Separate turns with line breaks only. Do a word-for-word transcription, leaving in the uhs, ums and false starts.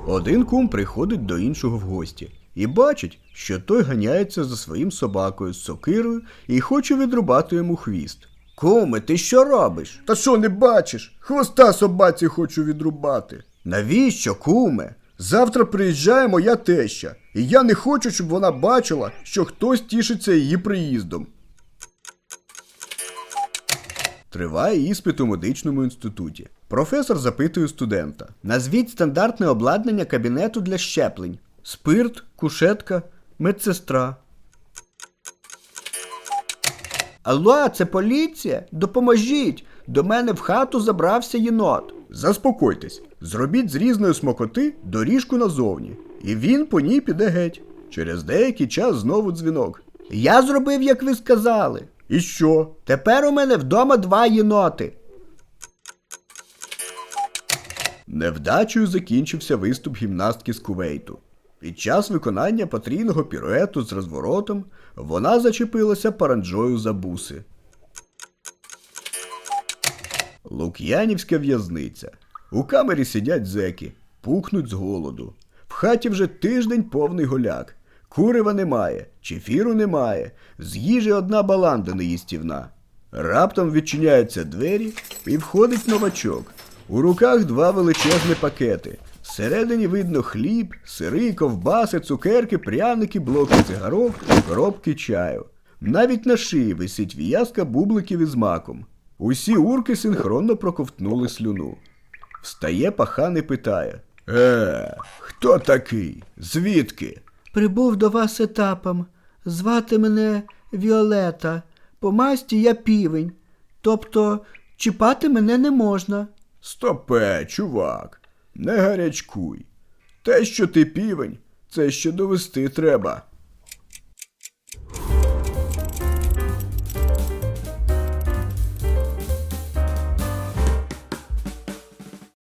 Один кум приходить до іншого в гості і бачить, що той ганяється за своїм собакою з сокирою і хоче відрубати йому хвіст. «Куме, ти що робиш?»
Та що не бачиш? Хвоста собаці хочу відрубати.
«Навіщо, куме?»
Завтра приїжджає моя теща, і я не хочу, щоб вона бачила, що хтось тішиться її приїздом.
Триває іспит у медичному інституті. Професор запитує студента. Назвіть стандартне обладнання кабінету для щеплень. Спирт, кушетка, медсестра. Алло, це поліція? Допоможіть! До мене в хату забрався єнот.
Заспокойтесь, зробіть з різної смакоти доріжку назовні, і він по ній піде геть. Через деякий час знову дзвінок.
Я зробив, як ви сказали.
І що?
Тепер у мене вдома два єноти.
Невдачею закінчився виступ гімнастки з Кувейту. Під час виконання потрійного піруету з розворотом вона зачепилася паранджою за буси. Лук'янівська в'язниця. У камері сидять зеки, пухнуть з голоду. В хаті вже тиждень повний голяк. Курива немає, чефіру немає, з їжі одна баланда неїстівна. Раптом відчиняються двері і входить новачок. У руках два величезні пакети. Всередині видно хліб, сири, ковбаси, цукерки, пряники, блоки цигарок, коробки чаю. Навіть на шиї висить в'язка бубликів із маком. Усі урки синхронно проковтнули слюну. Встає пахан і питає. Е, хто такий? Звідки?
Прибув до вас етапом. Звати мене Віолета. По масті я півень. Тобто чіпати мене не можна.
Стопе, чувак, не гарячкуй. Те, що ти півень, це ще довести треба.